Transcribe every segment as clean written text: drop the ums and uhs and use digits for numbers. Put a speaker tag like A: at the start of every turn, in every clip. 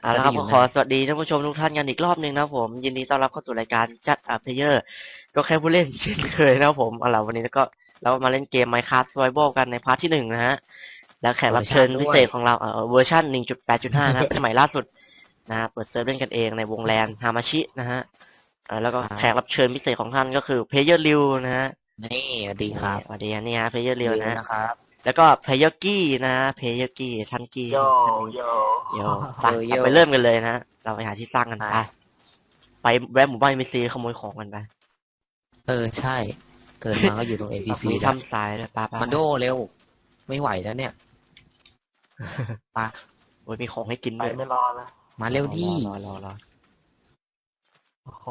A: เอาละครับก็ขอสวัสดีท่านผู้ชมทุกท่านกันอีกรอบหนึ่งนะครับผมยินดีต้อนรับเข้าสู่รายการจัดอัพเพลเยอร์ก็แค่ผู้เล่นเช่นเคยนะครับผมเอาล่ะวันนี้ก็เรามาเล่นเกม Minecraft Survival กันในพาร์ทที่หนึ่งนะฮะแล้วแขกรับเชิญพิเศษของเราเวอร์ชัน 1.8.5 นะเป็นใหม่ล่าสุดนะเปิดเซิร์ฟเล่นกันเองในวงแลนฮามาชินะฮะแล้วก็แขกรับเชิญพิเศษของท่านก็คือเพลเยอร์ริวนะฮะ
B: นี่สวัสดีครับ
A: สวัสดีนี่ฮะเพลเยอร์ริวนะ
B: นะครับ
A: แล้วก็เพลเยอร์กี้นะเพลเยอร์กี้ท่านกี้
C: โย
A: ท่านนี้
C: โย
A: เดี๋ยวไปเริ่มกันเลยนะเราไปหาที่ตั้งกันไปแวะหมู่บ้านมีซีขโมยของกันไป
B: ใช่เกิดมาก็อยู่ตรง APC
A: มี
B: แล้ว
A: ถ้ำทรายด้วยป้า
B: มันโดเร็วไม่ไหวแล้วเนี่ยปะ
A: โอ้ยมีของให้กิน
C: ไป
A: ด้วย
C: ไม่รอนะ
B: มาเร็วที่
A: รอ
C: โอ้โห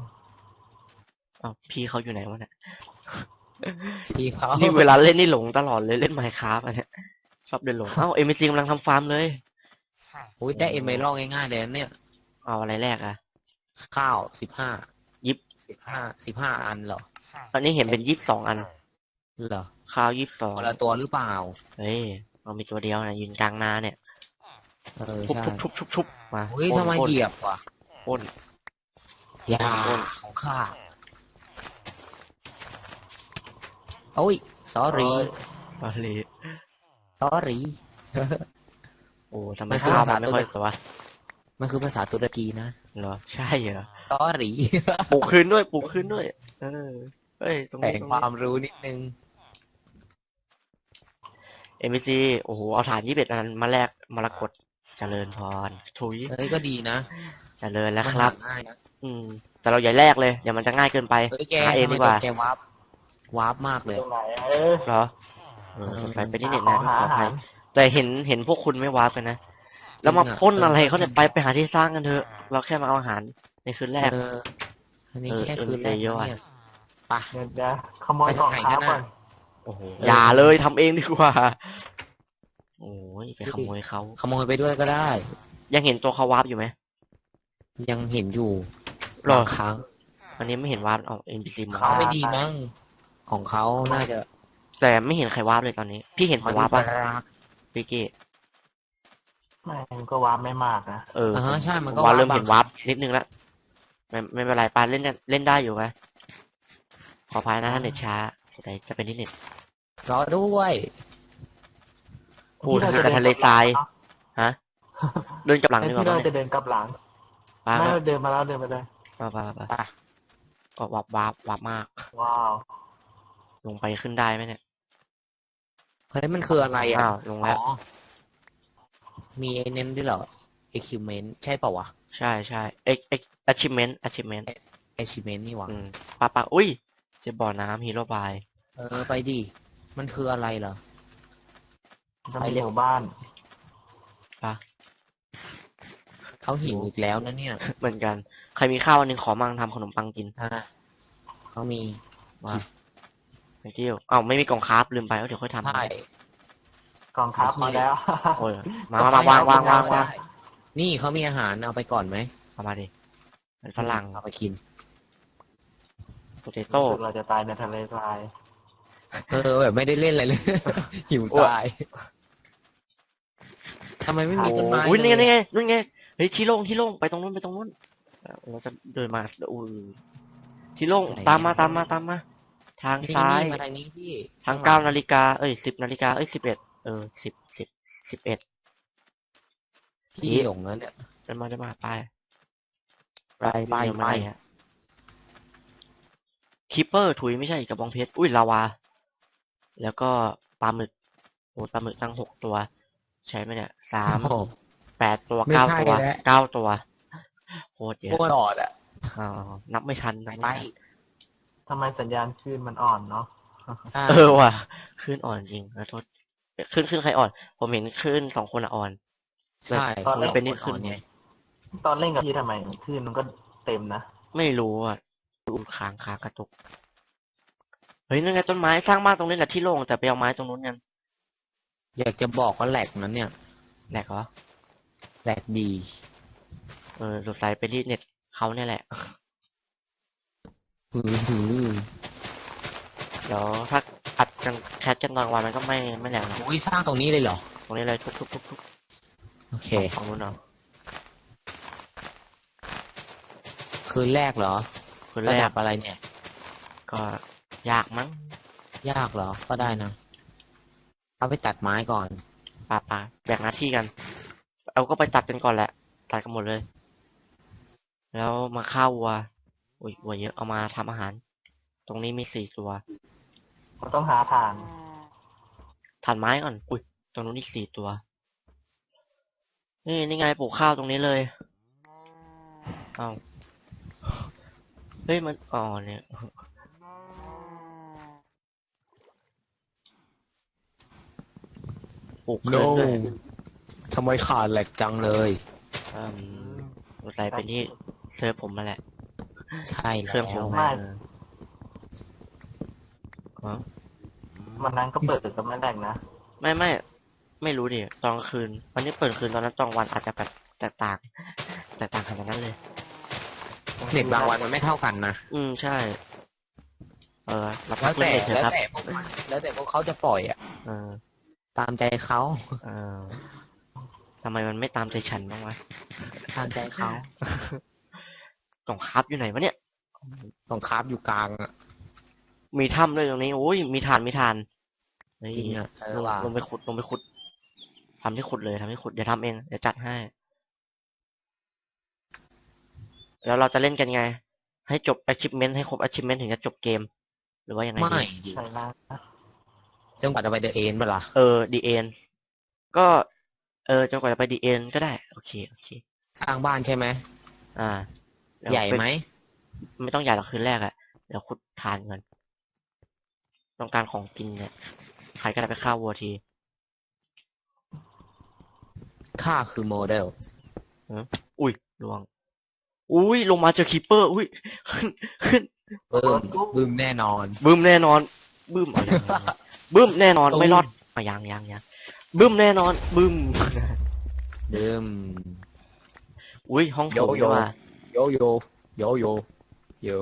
A: พี่เขาอยู่ไหนวะเนี่ย
B: พี่เขา
A: นี่เวลาเล่นนี่หลงตลอดเลยเล่นไมค์คราฟเนี่ยชอบเดินหลงเอ็มซีกำลังทำฟาร์มเลย
B: อุ้ยได้เอเมอรัลง่ายๆเลยเนี่ย
A: เอาอะไรแรก
B: ข้าว15
A: ยิบ
B: 15อันเหรอ
A: ตอนนี้เห็นเป็น22อัน
B: เหรอ
A: ข้าว22
B: คนละตัวหรือเปล่า
A: เฮ้ยเรามีตัวเดียวนะยืนกลางนาเนี่ย
B: ใช่
A: ทุบมา
B: อุ้ยทำไมเหยียบวะ
A: พ่น
B: ยาของข้าโอ้ย sorry
A: โอ้ทำไมข้าวมันไม่ค่อยตัว
B: มันคือภาษาตุรกีนะ
A: เหรอใช่เหรอ
B: sorry
A: ปลูกคืนด้วยเฮ้ยตรงนี้
B: แต่งความรู้นิดนึง
A: MBC โอ้โหเอาฐาน21อันมาแลกมรกตเจริญพรถุย
B: ก็ดีนะ
A: เจริญแล้วครับแต่เราอย่าแลกเลยอย่ามันจะง่ายเกินไปหาเองดีกว่า
B: แกวาร์ปมากเลย
A: เหรอสงสัยไปที่เน็ตนะขออภัยแต่เห็นพวกคุณไม่วาร์ปกันนะแล้วมาป้นอะไรเขาเนี่ยไปหาที่สร้างกันเถอะเราแค่มาเอาอาหารในคืนแรก
B: อันนี้แค่คืนแรกเนี่ย
C: ปะเดี๋ยวขโมยของเขาก่อน
A: โอ้โหอย่าเลยทำเองดีกว่าโอ้ยไปขโมยเขา
B: ขโมยไปด้วยก็ได้
A: ยังเห็นตัวเขาวาร์ปอยู่ไหม
B: ยังเห็นอยู่
A: บ
B: างครั้ง
A: อันนี้ไม่เห็นวาร์ปNPC
B: เขาไม่ดีมั้งของเขาน่าจะ
A: แต่ไม่เห็นใครวาร์ปเลยตอนนี้พี่เห็นผมวาร์ปป่ะพี่กี้
C: มันก็วาร์ปไม่มากนะ
B: ใช่มันก็
A: เริ่มเห็นวาร์ปนิดนึงแล้วไม่เป็นไรปานเล่นได้อยู่ไหมขออภัยนะถ้าเน็ตช้าแต่จะเป็นที่เน็ต
B: รอด้วย
A: พูดกับทะเลทรายฮะเดินกับหลังดีกว่า
C: เราจะเดินกับหลังไม่เดินมาแล้วเดินมาเลย
A: ไปก็วับมาก
C: ว้าว
A: ลงไปขึ้นได้ไหมเนี่ย
B: เฮ้ยมันคืออะไร
A: ลงแล้ว
B: มีเน้นด้วยเหรอ equipment ใช่เปล่าวะ
A: ใช่ achievement
B: นี่หว่า
A: ปะอุ้ยเจะบ่อน้ำฮีโร่บาย
B: ไปดิมันคืออะไรเหรอ
C: ไปเร็วบ้าน
A: ปะ
B: เขาหิวอีกแล้วนะเนี่ย
A: เหมือนกันใครมีข้าวอันนึงขอมั่งทำขนมปังกิน
B: เขามี
A: ว่าไม่เกี่ยวไม่มีกล่องคราฟลืมไปเดี๋ยวค่อยทำ
B: ใช่
C: กล่องคราฟมาแล้ว
A: โอ้ยมาวาง
B: นี่เขามีอาหารเอาไปก่อนไหม
A: เอามาดิเป็นฝรั่ง
B: เอาไปกิน
A: โปเตโต้
C: เราจะตายในทะเลทราย
B: แบบไม่ได้เล่นอะไรเลยหิวตายทำไมไม่มีต้นไม้
A: อุ้ยนี่ไงเฮ้ยชี้โล่งไปตรงนู้นเราจะเดินมาชี้โล่งตามมาทางซ้าย
B: มาทางนี้พี่
A: ทาง9 นาฬิกา10 นาฬิกา1111
B: พี่หลงแล้วเนี่ย
A: จะมา
B: ไป
A: คิปเปอร์ถุยไม่ใช่กระบองเพชรอุ้ยลาวาแล้วก็ปลาหมึกโอ้ปลาหมึกตั้ง6ตัวใช่ไหมเนี่ย8 ตัว9 ตัวโคตรเยอะ
B: โคตรอ่อน
A: นับไม่ทัน
C: ทำไมสัญญาณคลื่นมันอ่อนเนาะ
A: ว่ะคลื่นอ่อนจริงขอโทษคลื่นใครอ่อนผมเห็นคลื่น2 คนอ่อน
B: ใช่
A: ตอนเล่นเป็นนิดคลื่นไง
C: ตอนเล่นกับพี่ทำไมคลื่นมันก็เต็มนะ
A: ไม่รู้ค้างกระตุกเฮ้ยนั่นไงต้นไม้สร้างบ้านตรงนี้แหละที่โล่งแต่ไปเอาไม้ตรงนู้นกัน
B: อยากจะบอกว่าแหลกนั้นเนี่ย
A: แหลกเหรอ
B: แหลกดี
A: สงสัยเป็นที่เน็ตเขาเนี่ยแหละเดี๋ยวถ้าอัดกันแคสกันตอนวันมันก็ไม่แหลกนะ
B: สร้างตรงนี้เลยเหรอ
A: ตรงนี้เลยทุบ
B: โอเค
A: ฝั่งนู้นเนาะ
B: คืนแรกเหรอ
A: คืน
B: ระ
A: แร
B: ดั
A: ก
B: บอะไรเนี่ย
A: ก็ยากมั้ง
B: ยากเหรอ ก็ได้นะ เอาไปตัดไม้ก่อน
A: ป่าแบ่งหน้าที่กัน เอาก็ไปตัดกันก่อนแหละ ตัดกันหมดเลย แล้วมาฆ่าวัวอุ้ยวัวเยอะ เอามาทำอาหาร ตรงนี้มี4 ตัว
C: มันต้องหาทาง
A: ถ่านไม้ก่อน อุ้ย ตรงนู้นอีก4 ตัว นี่ไงปลูกข้าวตรงนี้เลย เอาเฮ้ยมัน อ๋อเนี่ย ปลูกเกินด้วย
B: ทำไมขาดแหลกจังเลย
A: อืมอะไรเป็นที่เซิร์ฟผมมาแหละ
B: ใช่
A: เครื่องผ
B: แล้ว
A: ม
C: ไม่
A: อ๋อ
C: วันนั้นก็เปิดก็ไม่แรกนะ
A: ไม่รู้ดิตอนกลางคืน วันนี้เปิดคืนตอนนั้นตอนกลางวันอาจจะแบบแตกต่างขนาดนั้นเลย
B: เน็ตบางวันมันไม่เท่ากันนะ
A: ใช่ เราพั
B: แล้
A: ก
B: ว
A: เล่
B: แต่
A: นเน็ตเถอะครับ
B: แล้วแต่พวกเขาจะปล่อยอ่ะ
A: เออ
B: ตามใจเขา
A: เออทำไมมันไม่ตามใจฉันบ้างวะ
B: ตามใจเขา
A: กล่องคราฟอยู่ไหนวะเนี่ย
B: ต้องคราฟอยู่กลางอ่ะ
A: มีถ้ำด้วยตรงนี้โอ้ยมีถ่านเฮ้ย
B: จริงอ่ะ
A: ลงไปขุดทำที่ขุดเลยเดี๋ยวทำเองเดี๋ยวจัดให้ แล้วเราจะเล่นกันไง ให้จบ achievement ให้ครบ achievement ถึงจะจบเกม หรือว่ายังไง
B: ไม่
A: ดี
B: ดิ
C: ใช่นะ
B: จนกว่าจะไปเดอะเอ็นเปล่า
A: ดีเอ็นก็จนกว่าจะไปดีเอ็นก็ได้โอเค
B: สร้างบ้านใช่ไหม
A: เดี๋ยว
B: ใหญ่ไหม
A: ไม่ต้องใหญ่หรอกคืนแรกอะเดี๋ยวขุดทานเงินต้องการของกินเนี่ยใครก็ได้ไปฆ่าวัวที
B: ค่าคือโมเดล
A: อุ้ยลวง อุ้ยลงมาเจอคีปเปอร์ อุ้ยขึ้น
B: บึ้มแน่นอน
A: บึ้มแน่นอนบึ้มเอาอย่างบึ้มแน่นอน
B: ตุ้ม
A: ไม่รอดเอายังบึ้มแน่นอนบึ้ม
B: บึ้ม
A: อุ้ยห้องโถง
B: โย
A: ด้วยว่ะ
B: โยโย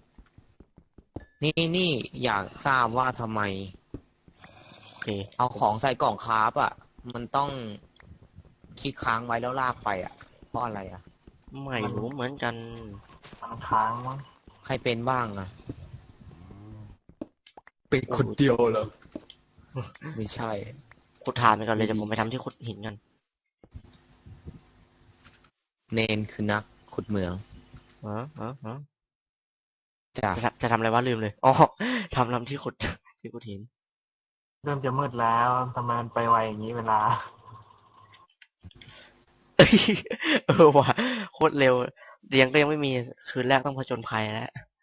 B: นี่อยากทราบว่าทำไม
A: โอเค
B: เอาของใส่กล่องคราฟอ่ะ มันต้องคลิกค้างไว้แล้วลากไปอ่ะ เพราะอะไรอ่ะ
A: ไม่รู้เหมือนกัน
C: มันค้างมั้ง
B: ใครเป็นบ้างอ่ะ เป็นคนเดียวเหรอ ไม่ใช่
A: ขุดทานไปก่อนเลยเดี๋ยวผมไปทำที่ขุดหินกัน
B: เนนคือนักขุดเหมือง
A: ฮะ
B: จ้ะ
A: จะทำอะไรวะลืมเลย อ๋อ ทำที่ขุด ที่ขุดหิน
C: เริ่มจะมืดแล้วทำไมมันไปไวอย่างนี้เวลา
A: ว่ะโคตรเร็วเตียงก็ยังไม่มี คืนแรกต้องผจญภัยแล้ว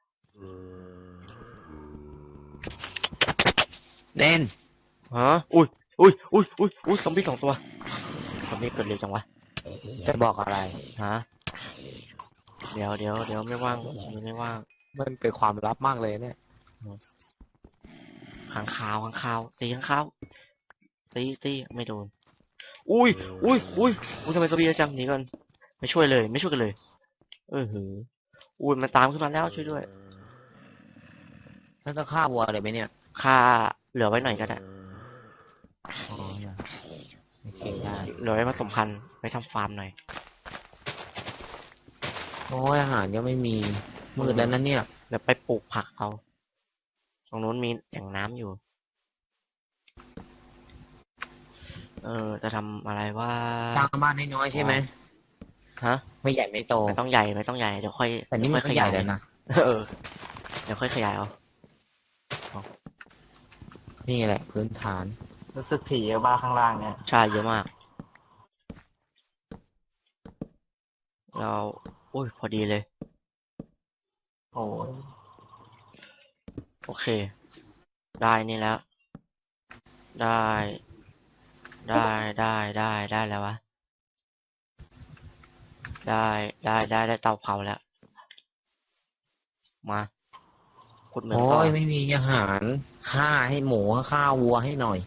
B: เนน
A: ฮะ อุ้ยซอมบี้2 ตัวซอมบี้เกิดเร็วจังวะ
B: จะบอกอะไร
A: ฮะ เดี๋ยวไม่ว่างไม่ว่าง
B: มันเป็นความลับมากเลยเนี่ย
A: ขังข่าวตีขังข่าวตีไม่โดน อุ้ยทำไมซอมบี้เยอะจังหนีกันไม่ช่วยกันเลยอุ้ยมันตามขึ้นมาแล้วช่วยด้วย
B: น่าจะฆ่าวัวเลยไหมเนี่ย
A: ค่าเหลือไว้หน่อยก็ได้
B: อ๋อโอเคได้
A: เหลือไว้ผสมพันธุ์ไว้ทำฟาร์มหน่อย
B: โอ้ยอาหารก็ไม่มีมืดแล้วนั่นเนี่ย
A: เดี๋ยวไปปลูกผักเอาตรงนู้นมีแหล่งน้ำอยู่ จะทำอะไรว่า
B: สร้างบ้านน้อยๆใช่ไหม
A: ฮะ
B: ไม่ใหญ่ไม่โต
A: ไม่ต้องใหญ่เดี๋ยวค่อย
B: แต่นี่มันก็
A: ค่อย
B: ใหญ่แล้วนะ
A: เดี๋ยวค่อยขยายเอา
B: นี่แหละพื้นฐาน
C: รู้สึกผีบ้าข้างล่างเนี่ย
A: ใช่เยอะมากเราอุ้ยพอดีเลย
C: โอ้ย
A: โอเค ได้นี่แล้ว ได้แล้ววะ ได้เตาเผาแล้ว มาขุดเหมือง
B: โอ้
A: ต่อย
B: ไม่มีอาหารฆ่าให้หมูฆ่าวัวให้หน่อย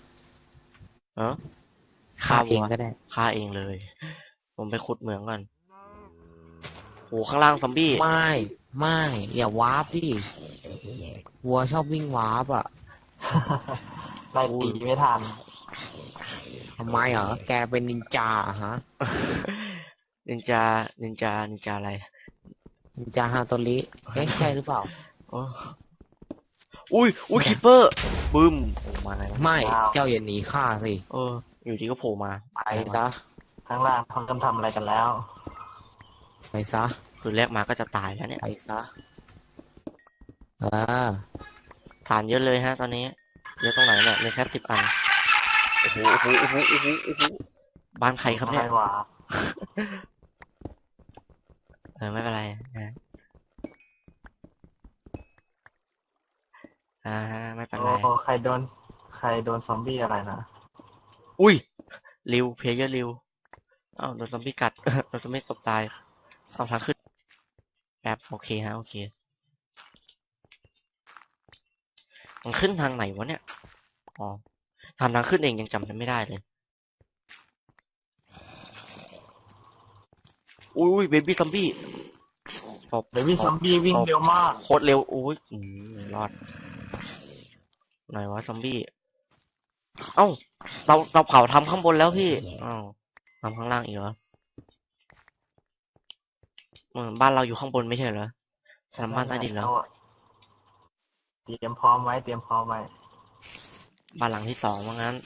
A: ฆ่า
B: เอ
A: วั
B: ง
A: ว
B: ก็ได้
A: ฆ่าเองเลย ผมไปขุดเหมืองก่อนโอ้ข้างล่างซอมบี้
B: ไม่อย่าวาร์ปดิวัวชอบวิ่งวาร์ปอ่ะ
C: ไล่ตีไม่ทัน
B: ทำไมเหรอแกเป็นนินจาเหรอฮะ
A: นินจาอะไร
B: นินจาฮาโตริเอ๊ะใช่หรือเปล่า
A: โอ้อุ้ยคิปเปอร์บึ้มโผล่มาไงวะ
B: ไม่เจ้าอย่าหนีข้าสิ
A: เออ อยู่ดีก็โผล่มา
B: ไป
A: อะไรวะ
B: ซะ
C: ข้างล่างเขากำลังทำอะไรกันแล้ว
B: ไปซะ
A: คือแรกมาก็จะตายแล้วเนี่ย
B: ไปซะเออ
A: ฐานเยอะเลยฮะ ตอนนี้เยอะตรงไหนเนี่ยมีแค่10 อันโอ้โหบ้านใครครับเนี่ย
C: อะไรวะ
A: ไม่เป็นไรนะไม่เป็น
C: โอ้
A: ไร
C: ใครโดนซอมบี้อะไรนะ
A: อุ้ยริวเพลเยอร์ริวอ้าวโดนซอมบี้กัด โดนซอมบี้ตบตายเอาทางขึ้นแบบโอเคฮะโอเคมันขึ้นทางไหนวะเนี่ยอ๋อทำทางขึ้นเองยังจำไม่ได้เลยอุ้ยเบบี้ซอมบี้ตบ
C: เดี๋ยววิ่งซอมบี้วิ่งเร็วมาก
A: โคตรเร็วอุ้ยรอดไหนวะซอมบี้เอ้าเราเผาทำข้างบนแล้วพี่อ้าวทำข้างล่างอีกเหรอบ้านเราอยู่ข้างบนไม่ใช่เหรอทำบ้านใต้ดินแล้ว
C: เตรียมพร้อมไว้
A: บ้านหลังที่2ว่างั้น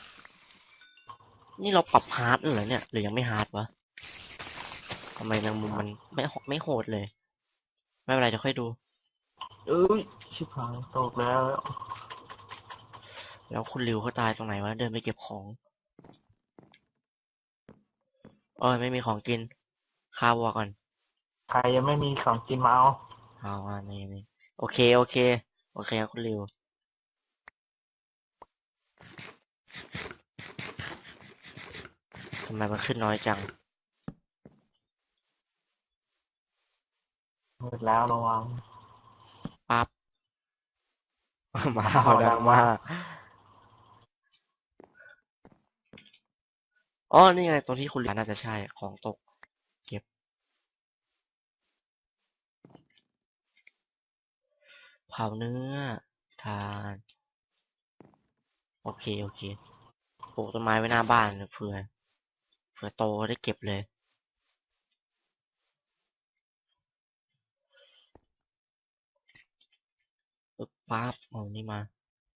A: นี่เราปรับฮาร์ดเหรอเนี่ย หรือยังไม่ฮาร์ดวะทำไมแมงมุมมันไม่โหดเลย ไม่เป็นไรจะค่อยดู
C: เอ้ย ชิบหายตกแล้ว
A: แล้วคุณริวเขาตายตรงไหนวะ เดินไปเก็บของไม่มีของกินฆ่าวัวก่อน
C: ใครยังไม่มีของกินมาเอา
A: เอานี่โอเคครับคุณริวทำไมมันขึ้นน้อยจัง
C: หมดแล้วระวัง
A: ปั๊บ มา
C: เอาดั
A: ดัง
C: ง
A: มาม
C: าก ก
A: นี่ไงตรงที่คุณริวน่าจะใช่ของตก เก็บเผาเนื้อทานโอเคปลูกต้นไม้ไว้หน้าบ้านเผื่อโตได้เก็บเลยปึ๊บปั๊บเอานี่มา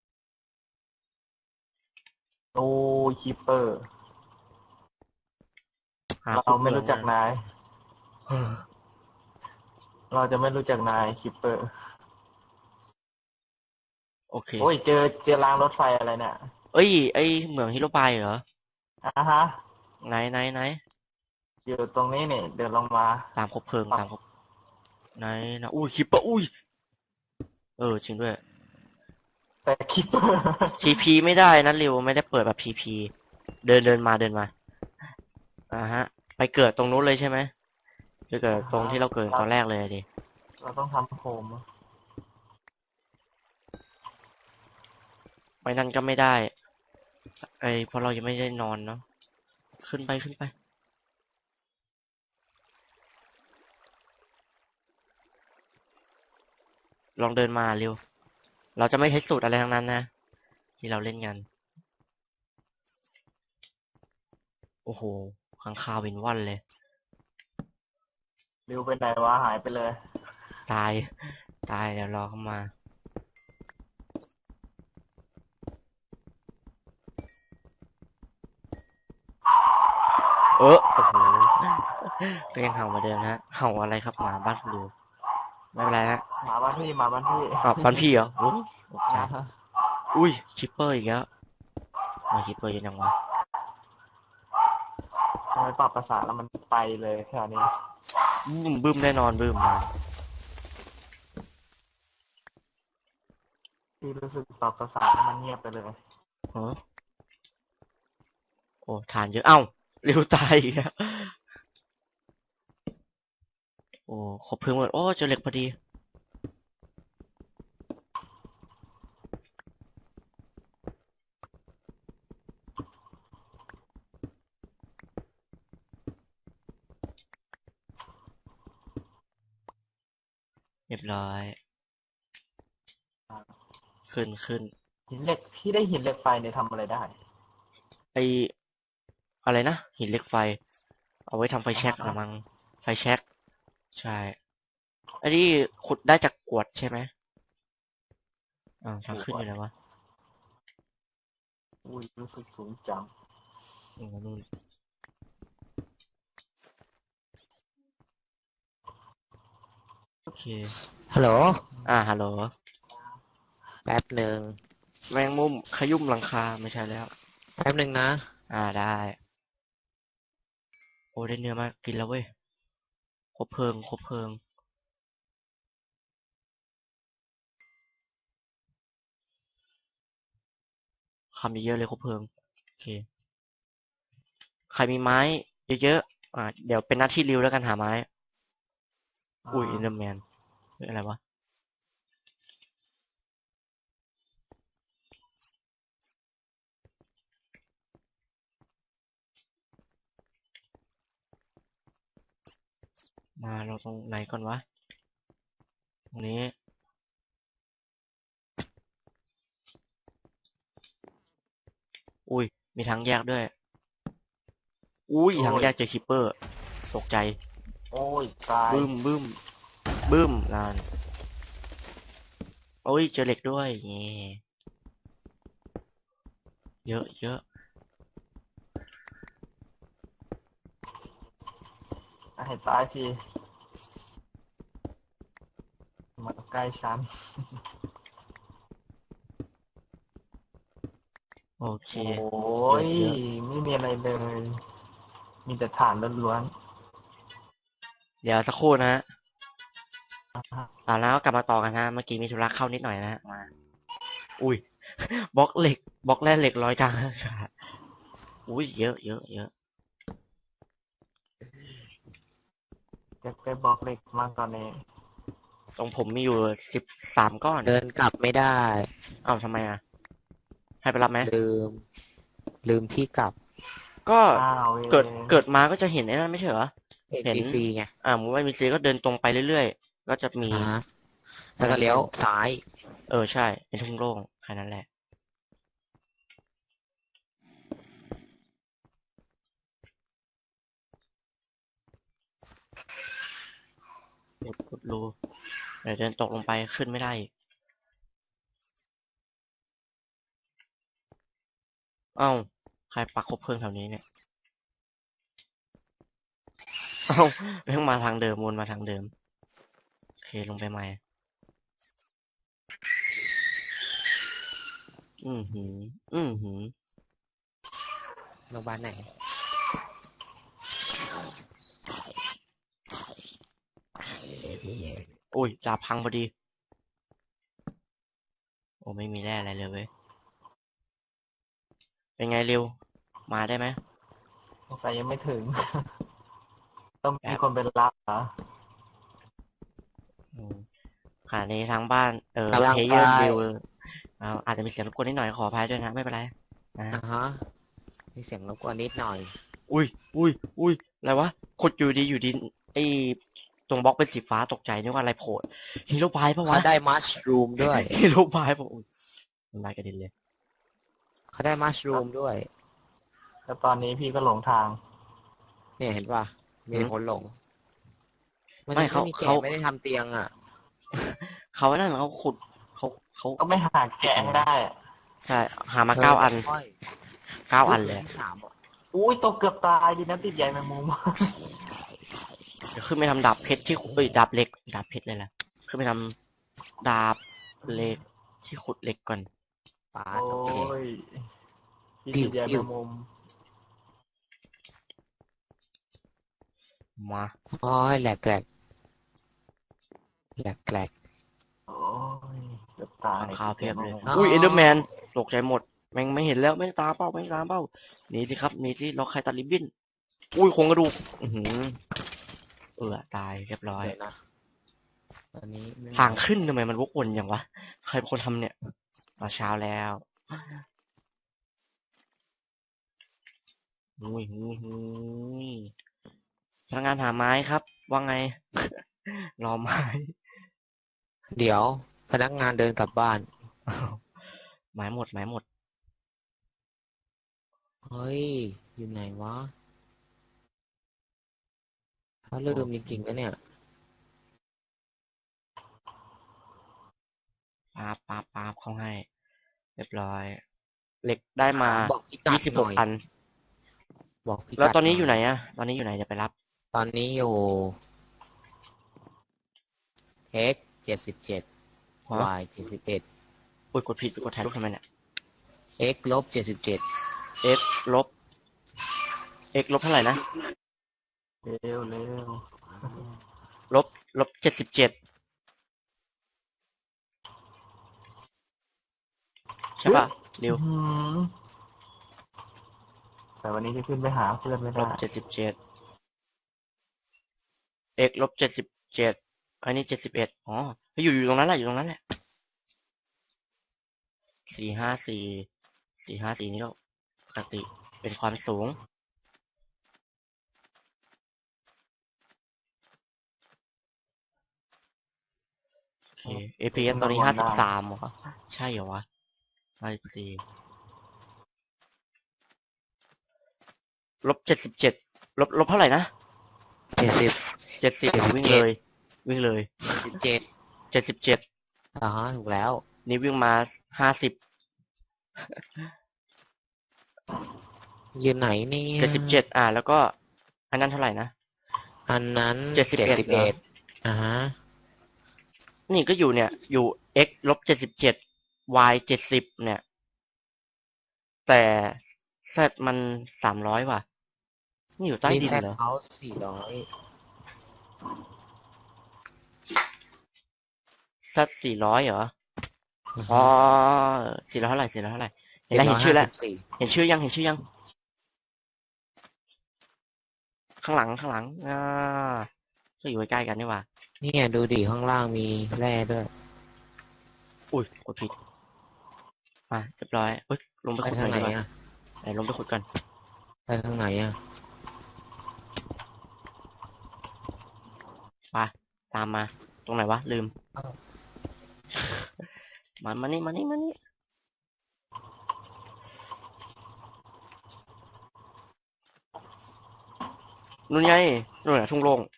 C: โอ้คิปเปอร์
A: หา
C: เรา
A: ขุด
C: ไม่
A: เหมือง
C: รู้จักนาย เราจะไม่รู้จักนายคิปเปอร์
A: โอเค
C: โอ้ยเจอรางรถไฟอะไรเนี่ย
A: เอ้ยไอเหมืองฮิโรบายเหรอ
C: ฮะ
A: ไหน
C: อยู่ตรงนี้เนี่ยเดินลงมา
A: ตามคบเพลิงตามคบไหนนะอุ้ยคิปเปอร์อุ้ยจริงด้วย
C: แต่คิปเปอร์
A: TP ไม่ได้นะริวไม่ได้เปิดแบบ TP เดินมาฮะไปเกิดตรงนู้นเลยใช่ไหมไปเกิดตรงที่เราเกิดตอนแรกเลยดิ
C: เราต้องทำโฮม
A: ไม่นั่นก็ไม่ได้เพราะเรายังไม่ได้นอนเนาะขึ้นไปลองเดินมาเร็วเราจะไม่ใช้สูตรอะไรทั้งนั้นนะที่เราเล่นกันโอ้โหข้างคาววินว่อนเลย
C: ริวไปไหนวะหายไปเลย
A: ตายเดี๋ยวรอเข้ามาโอ้โหก็ยังเห่าเหมาเดิมฮะเห่าอะไรครับหมาบ้านคุณดูไม่เป็นไรฮะ
C: หมาบ้านพี่
A: บ้านพี่เหรอโอ้ตกใจอุ้ยคิปเปอร์อีกแล้วมาคิปเปอร์ยังวะ
C: ทำไมปรับภาษาแล้วมันไปเลยแค่นี้
A: บึ้มแน่นอนบึ้มมา
C: พี่รู้สึกปรับภาษาแล้วมันเงียบไปเลย
A: เออโอ้ทานเยอะเอ้าเร็วตายอีกแล้วโอ้ขบเพลิงหมดโอ้เจอเหล็กพอดีเรียบร้อยขึ้น
C: หินเหล็กพี่ได้หินเหล็กไฟเนี่ยทำอะไรได้
A: ไออะไรนะหินเหล็กไฟเอาไว้ทำไฟแช็กละมั้งไฟแช็กใช่อันนี้ขุดได้จากกรวดใช่ไหมอ้าวทางขึ้นอยู่ไหนวะ
C: อุ้ยรู้สึกสูงจัง
A: อ๋อนู่นโอเค
B: ฮัลโหล
A: ฮัลโหล
B: แป๊บหนึ่ง
A: แมงมุมขยุ่มหลังคาไม่ใช่แล้ว
B: แป๊บหนึ่งนะ
A: ได้โอ้ได้เนื้อมากินแล้วเว้ยครบเพลิงครบเพลิงคำเยอะๆเลยครบเพลิงโอเคใครมีไม้เยอะๆเดี๋ยวเป็นหน้าที่ริวแล้วกันหาไม้อุ้ยอินเดอร์แมนอะไรวะมาเราตรงไหนก่อนวะตรงนี้อุ้ยมีทางแยกด้วยอุ้ยทางแยกเจอคิปเปอร์ตกใจ
C: โอ้ยตาย
A: บึ้มบึ้มบึ้มนานโอ้ยเจอเหล็กด้วยเงี้เยอะเยอะ
C: ให้ตายสิมาใกล้ฉัน
A: โอเค
C: โอ้ย
A: เยอะ
C: ไม่มีอะไรเลย มีแต่ฐานล้วน
A: เดี๋ยวสักครู่นะฮะ
C: ๆอ่าฮะ
A: แล้วก็กลับมาต่อกันฮะเมื่อกี้มีธุระเข้านิดหน่อยนะฮะมาอุ้ย บล็อกเหล็กบล็อกแร่เหล็กลอยกลางอากาศอุ้ยเยอะเยอะเยอะ
C: จะไปบอกเหล็กมากตอนนี้
A: ตรงผมมีอยู่13ก้อน
B: เดินกลับไม่ได้
A: อ้าวทำไมให้ไปรับไหม
B: ลืม ลืมที่กลับ
A: ก็
C: อ้าว
A: เกิดมาก็จะเห็นไอ้นั่นไม่ใช่เหรอ เห็น
B: NPC ไง
A: มุมว่ามีซีก็เดินตรงไปเรื่อยๆก็จะมี
B: อ่าฮะแล้วก็เลี้ยวซ้าย
A: ใช่เป็นทุ่งโล่งแค่นั้นแหละขุดรูเดี๋ยวเดินตกลงไปขึ้นไม่ได้อีกเอ้าใครปักคบเพลิงแถวนี้เนี่ยเอ้าแม่งมาทางเดิมวนมาทางเดิมโอเคลงไปใหม่อือหืออือหือ
B: โรงพยาบาลไหน
A: อุ้ยดาบพังพอดีโอ้ไม่มีแร่อะไรเลยเว้ยเป็นไงเร็วมาได้ไหม
C: สงสัยยังไม่ถึง ต้องมีคนไปรับเหรอ
A: อืมค่ะในทางบ้าน
B: กำลัง
A: เพเยอร์
B: ไป
A: วิวอาจจะมีเสียงรบกวนนิดหน่อยขออภัยด้วยนะไม่เป็นไรนะฮะ
B: อ่าฮะ มีเสียงรบกวนนิดหน่อย
A: อุ้ยอุ้ยอุ้ยอะไรวะขุดอยู่ดีไอ้ตรงบล็อกเป็นสีฟ้าตกใจนึกว่าอะไรโผล่ฮีโร่บายปะวะ
B: เขาได้มัชรูมด้วย
A: ฮีโร่บายปะอุ้ยน้ำลายกระเด็นเลย
B: เขาได้มัชรูมด้วย
C: แล้วตอนนี้พี่ก็หลงทาง
B: เนี่ยเห็นป่ะ มีแต่คนหลง มัน
A: ไม่
B: ไม่มีแกะ
A: เขา
B: ไม่ได้ทำเตียงอ่ะ
A: เขานั่นเขาขุดเขา
C: ก็ไม่หาแกะให้ได้อะ
A: ใช่หามาเก้าอัน
B: ค่อย
A: 9 อันเลย
B: ที่สามอ่ะ
C: อุ้ยตกเกือบตายดีนะติดใยแมงมุม
A: เดี๋ยวขึ้นไปทำดาบเพชรที่ดาบเหล็กดาบเพชรเลยล่ะขึ้นไปทำดาบเหล็กที่ขุดเหล็กก่อน
B: ปา
C: โอ้
B: ดโอเค
C: ยพี่ติดใย
B: ปิ้
C: แม
B: ว
C: งมุม
A: มา
B: โอ้ยแหลกแหลกแหลกแหลก
C: โอ้ยเกือบตาย
A: ข้าวเพียบเลย
B: อ๋อ
A: อุ้ยเอนเดอร์แมนตกใจหมดแม่งไม่เห็นแล้วไม่ตามเป้าไม่ตามเป้าหนีสิครับหนีสิเราใครตัดริบบิ้นอุ้ยโครงกระดูกตายเรียบร้อย
B: เดี๋ยวนะตอนนี้ไม่
A: ทางขึ้นทำไมมันวกวนอย่างวะใครเป็นคนทำเนี่ยตอนเช้าแล้วอุ้ยพนักงานหาไม้ครับว่าไง รอไม้
B: เดี๋ยว พนักงานเดินกลับบ้าน
A: ไม้หมดไม้หมด
B: เฮ้ย อยู่ไหนวะเขาลืมจริงๆนะเนี่ย
A: ปาบเข้าให้ เรียบร้อย เหล็กได้มา
B: บอกพิกัดหน่อย
A: 26 อัน
B: บอกพิกัด
A: แล้วตอนนี้
B: ห
A: อยู่ไหนอะตอนนี้อยู่ไหนเดี๋ยวไปรับ
B: ตอนนี้อยู่ x 77
A: ฮะ
B: y 71
A: อุ้ยกดผิดกดถ่ายรูปทำไมเนี่ย
B: x ลบ77
A: x ลบ x ลบเท่าไหร่นะ
C: เร็วเร็ว
A: ลบ77ใช่ป่ะเร็ว
C: อื้อหือแต่วันนี้จะขึ้นไปหาเพื่อนไม่
A: ล
C: ได้
A: บ77 x ลบ77อันนี้71อ๋ออยู่ตรงนั้นแหละอยู่ตรงนั้นแหละ454นี่ก็ปกติเป็นความสูง โอเค APS ตอนนี้53เหรอ ใช่เหรอวะ54ลบ77ลบเท่าไหร่นะ
B: 70
A: 70วิ่งเลย
B: 77
A: 77
B: ถูกแล้ว
A: นี่วิ่งมา50
B: อยู่ไหนเนี่ย
A: 77แล้วก็ อันนั้นเท่าไหร่นะ
B: อันนั้น
A: 71เหรอ
B: ฮะ
A: นี่ก็อยู่เนี่ย อยู่ x ลบ77 y 70เนี่ย แต่ z มัน300ว่ะ นี่อยู่ใต้ดิน
B: แซด
A: เหรอ
B: เขา400
A: z 400เหรอ อ๋อ400เท่าไหร่400เท่าไหร่เห็นแล้วเห็นชื่อแล้ว เห็นชื่อยังข้างหลังก็อยู่ใกล้ๆกันนี่หว่า
B: เนี่ยดูดิข้างล่างมีแร่ด้วย
A: อุ้ยกดผิดเรียบร้อยเฮ้ยลงไป
B: ไป
A: ขุดห
B: ทา
A: น่อง ย
B: ไหน
A: ดีกว่า
B: อ่ะ
A: ไหนลงไปขุดกัน
B: ไปทางไหนอ่ะ
A: ไปตามมาตรงไหนวะลืม
B: อ้าว
A: มานี่นู่นไงนู่นน่ะทุ่งโล่ง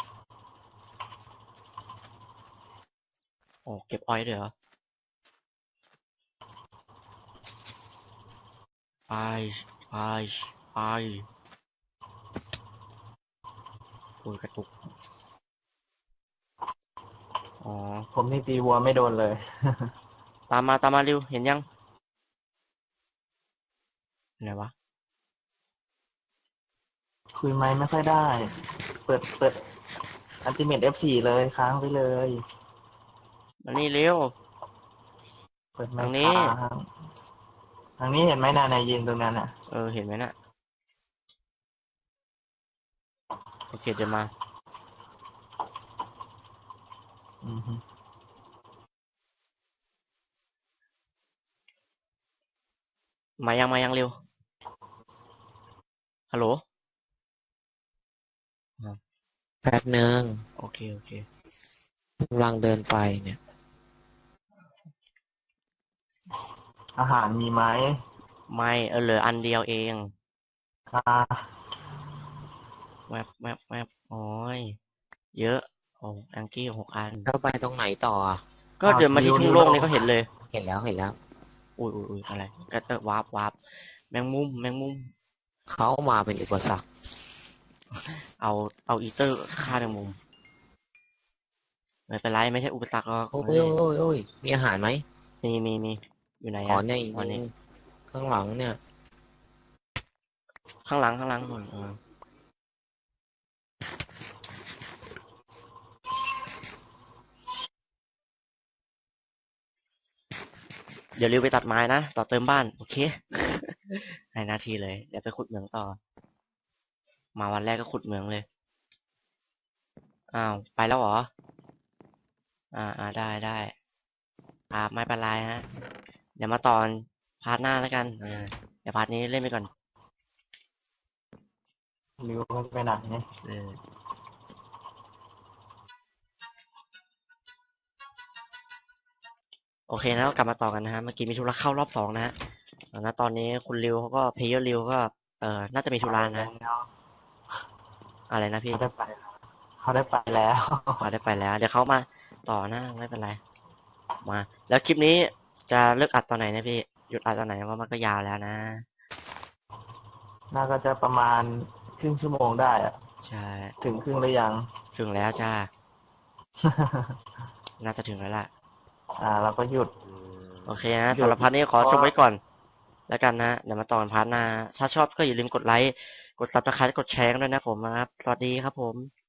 A: โอ้เก็บอ้อยด้วยเหรอไปโอ้ยกระตุกอ๋อ
C: ผมนี่ตีวัวไม่โดนเลย
A: ตามมาเร็วเห็นยังไหนวะ
C: คุยไม้ไม่ค่อยได้ เปิดอันติเมต F4 เลยค้างไปเลย
A: มานี่เร็ว
C: เปิดไม้
A: ทางนี้
C: ค้างทางนี้เห็นไหมนายยืนตรงนั้นอ่ะ
A: เห็นไหมน่ะโอเคเดี๋ยวมา
C: อือฮึ
A: มายังเร็วฮัลโหล
B: แป๊บหนึ่ง
A: โอเค
B: กำลังเดินไปเนี่ย
C: อาหารมีไหม
A: ไม่เหลืออันเดียวเอง
C: อ่า
A: แวบโอ้ยเยอะโอ้อังกี้6 อัน
B: ก็ไปตรงไหนต่ออ่ะ
A: ก็เดินมาที่ทุ่งโล่งนี่ก็เห็นเลย
B: เห็นแล้ว
A: อุ้ยอะไรก็วาร์ปแมงมุม
B: เขามาเป็นอุปสรรค
A: เอาอีเตอร์ฆ่าแมงมุมไม่เป็นไรไม่ใช่อุปสรรคหรอก
B: โอ้ยมีอาหารไหม
A: มีอยู่ไหน
B: ขอ
A: อะ
B: ใน
A: ขอนี่
B: ข้างหลังเนี่ย
A: ข้างหลังนู่นเดี๋ยวริวไปตัดไม้นะต่อเติมบ้านโอเค ให้หน้าที่เลยเดี๋ยวไปขุดเหมืองต่อ มาวันแรกก็ขุดเหมืองเลยอ้าวไปแล้วเหรอได้ไม่เป็นไรฮะเดี๋ยวมาตอนพาร์ทหน้าแล้วกันเดี๋ยวพาร์ทนี้เล่นไปก่อน
C: ริวไปไหนเนี่ย
A: โอเคนะก็กลับมาต่อกันนะฮะเมื่อกี้มีธุระเข้ารอบ2นะฮะแล้วตอนนี้คุณริวเขาก็เพย์เยอร์ริวก็น่าจะมีธุระนะอะไรนะพี่
C: เขาได้ไปแล้ว
A: ได้ไปแล้ว เดี๋ยวเขามาต่อนะไม่เป็นไรมา แล้วคลิปนี้จะเลิกอัดตอนไหนนะพี่ หยุดอัดตอนไหนเพราะมันก็ยาวแล้วนะ
C: น่าก็จะประมาณครึ่งชั่วโมงได้อะ
A: ใช่
C: ถึงครึ่งหรือยัง
A: ถึงแล้วจ้า น่าจะถึงแล้วล่ะ
C: เราก็หยุด
A: โอเคนะ
C: หยุด
A: สำหรับพาร์ทนี้ขอ
C: เพราะ
A: จบไว้ก่อน แล้วกันนะ เดี๋ยวมาต่อกันพาร์ทหน้า ถ้าชอบก็อย่าลืมกดไลค์ กดซับสไครต์กดแชร์กันด้วยนะผมนะครับ สวัสดีครับผม